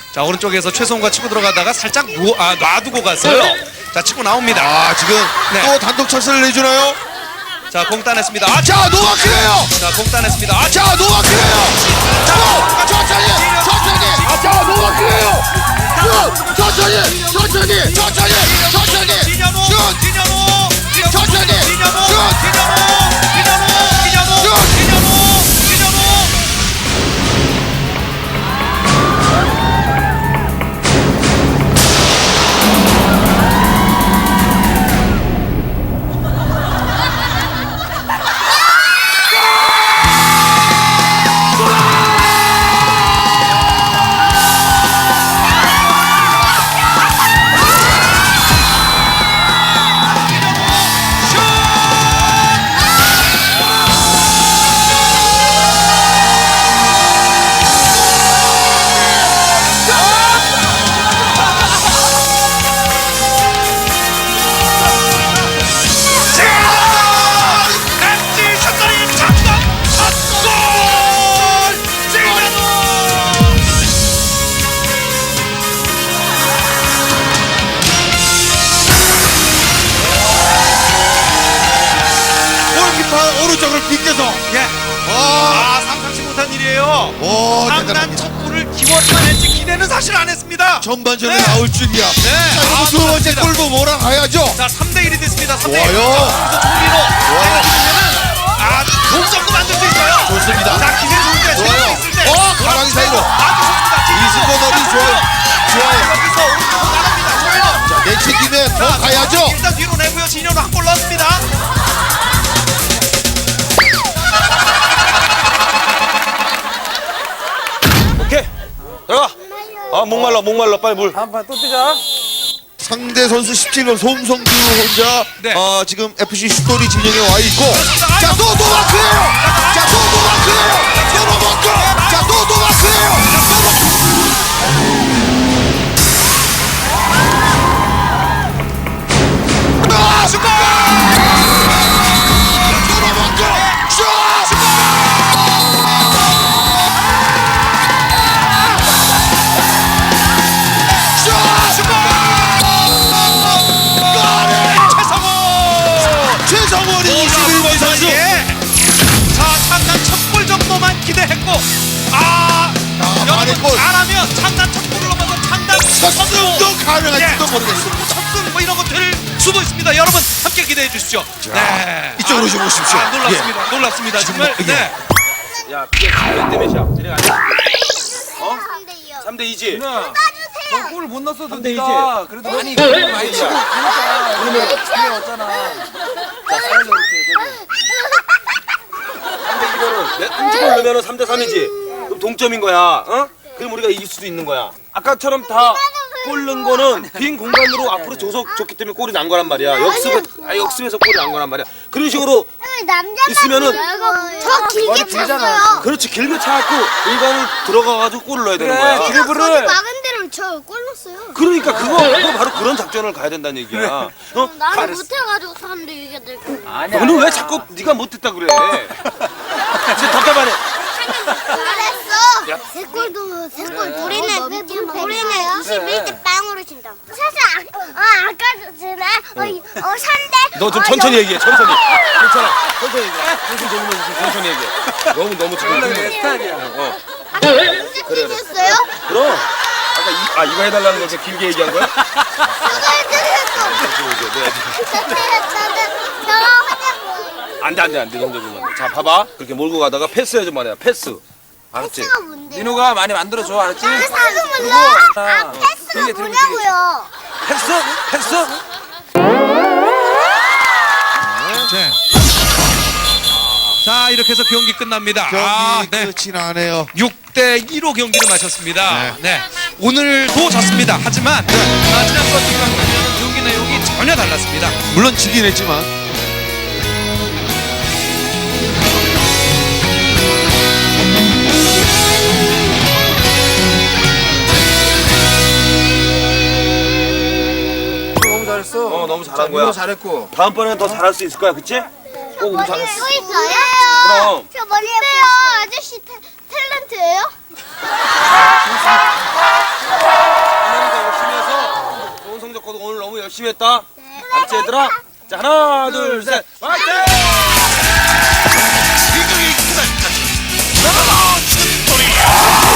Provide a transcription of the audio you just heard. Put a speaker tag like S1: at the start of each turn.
S1: 자, 오른쪽에서 최성우가 치고 들어가다가 살짝 놔두고 갔어요. 자, 치고 나옵니다.
S2: 아, 지금
S1: 네.
S2: 또 단독 찬스를 내주나요?
S1: 자, 공 따냈습니다.
S2: 자, 노마크예요.
S1: 자, 공 따냈습니다.
S2: 자, 노마크예요. 자, 천천히. 자, 노마크예요. 천천히.
S1: 진현우,
S2: 슛.
S1: 진현우,
S2: 천천히.
S1: 진현우,
S2: 슛.
S1: 진현우.
S2: 오른쪽을 빗겨서.
S1: 예. 상상치 못한 일이에요. 상단
S2: 대단합니다.
S1: 첫 골을 기원만 했지 기대는 사실 안 했습니다.
S2: 전반전에
S1: 네.
S2: 나올 줄이야.
S1: 네.
S2: 자, 그럼 두 번째
S1: 좋습니다.
S2: 골도 몰아가야죠.
S1: 자, 3대1이 됐습니다. 3대1.
S2: 좋아요.
S1: 종민호. 내가 지면은 동점도 만들 수 있어요.
S2: 좋습니다.
S1: 자, 기회 좋을 때,
S2: 좋아요.
S1: 있을 때.
S2: 가방이 사이로.
S1: 아주 좋습니다.
S2: 이승권 어디 좋아요.
S1: 여기서 오른쪽으로 나갑니다. 종민호.
S2: 자, 내치김에 더 가야죠.
S1: 일단 뒤로 내고요. 진현우 한 골 넣었습니다.
S3: 오케이 들어가. 목말라 빨리 물.
S4: 다음 판 또 뛰자.
S2: 상대 선수 17번 송성규 혼자
S1: 네.
S2: 지금 FC 슈토리 진영에 와 있고.
S1: 그렇습니다.
S2: 자, 또 노마크예요. 자, 또 노마크예요. 또 노마크. 자, 또 노마크예요. 슛! 또 노마크. 슛! 최성원이 21번 선수.
S1: 자, 창단 첫 골 정도만 기대했고,
S2: 만의 골.
S1: 여러분 잘하면 창단 첫 골을 넘어서 창단
S2: 첫 승도 가능할지도
S1: 예,
S2: 모르겠습니다.
S1: 첫승 뭐 이런 거 될 수도 있습니다. 여러분 함께 기대해 주십시오. 네.
S2: 이쪽으로 좀 오십시오.
S1: 놀랍습니다. 놀랍습니다. 정말.
S2: 예.
S1: 네.
S3: 야 그게 몇 대 몇이야? 진행 아니야?
S5: 3대2요.
S3: 3대 2지.
S4: 누나,
S5: 따주세요.
S4: 너 골을 못 넣었어도
S3: 삼대
S4: 네가 그래도 많이 많이 치고 그러니까 그러면 기회 왔잖아. 자, 살려 이렇게.
S3: 3대 2거는 한골 넣으면 3대 3이지. 그럼 동점인 거야. 어? 그럼 우리가 이길 수도 있는 거야. 아까처럼 다 골 넣은 거는 빈 공간으로 앞으로 줬기 때문에 골이 난 거란 말이야. 역습에서 골이 난 거란 말이야. 그런 식으로
S5: 남자
S3: 있으면은
S5: 저 길게 찼어요.
S3: 그렇지 길게 차갖고 공간을 들어가가지고 골을 넣어야 되는
S4: 그래,
S3: 거야.
S4: 드리블을.
S5: 거기 막은 대로 저 골 넣었어요.
S3: 그러니까 그거 바로 그런 작전을 가야 된다는 얘기야. 어?
S5: 나는 못해가지고 사람들이 이게 될 거야.
S4: 아니야.
S3: 너는 왜 자꾸 네가 못했다 그래? 진짜 답답하네.
S5: 잘했어. 세 골도 세 골. 우리는 21대 빵으로 진다. 사실 아까 전에 3대.
S3: 너 좀 천천히 얘기해. 천천히. 괜찮아. 천천히 얘기해. 천천히 얘기해. 너무 지금
S4: 내 스타일이야.
S5: 아까 언제 뛰셨어요?
S3: 그럼 아까 이거 해달라는 거 이제 길게 얘기한 거야? 안돼 정도면 자 봐봐 그렇게 몰고 가다가 패스해줘 말이야 패스 알았지?
S4: 민호가 많이 만들어줘, 알았지?
S5: 패스가 몰라.
S4: 아,
S5: 패스가
S4: 되게
S5: 뭐냐고요?
S4: 패스.
S1: 네. 자, 이렇게 해서 경기 끝납니다.
S2: 경기
S1: 네.
S2: 끝이 나네요.
S1: 6대2로 경기를 마쳤습니다. 네. 오늘도 졌습니다. 하지만 지난번 경기와는 경기 내용이 전혀 달랐습니다.
S2: 물론 지긴 했지만.
S4: 너무 잘했어.
S3: 너무 잘한 거야.
S4: 민호 잘했고.
S3: 다음번에는 더 잘할 수 있을 거야 그치? 꼭 우리 잘했어
S5: 또 있어요?
S3: 그럼
S5: 저 머리 빼요. 아저씨 탤런트예요?
S3: 성적 거두 오늘 너무 열심히 했다. 알았지 얘들아? 자 하나 둘 셋. 화이팅!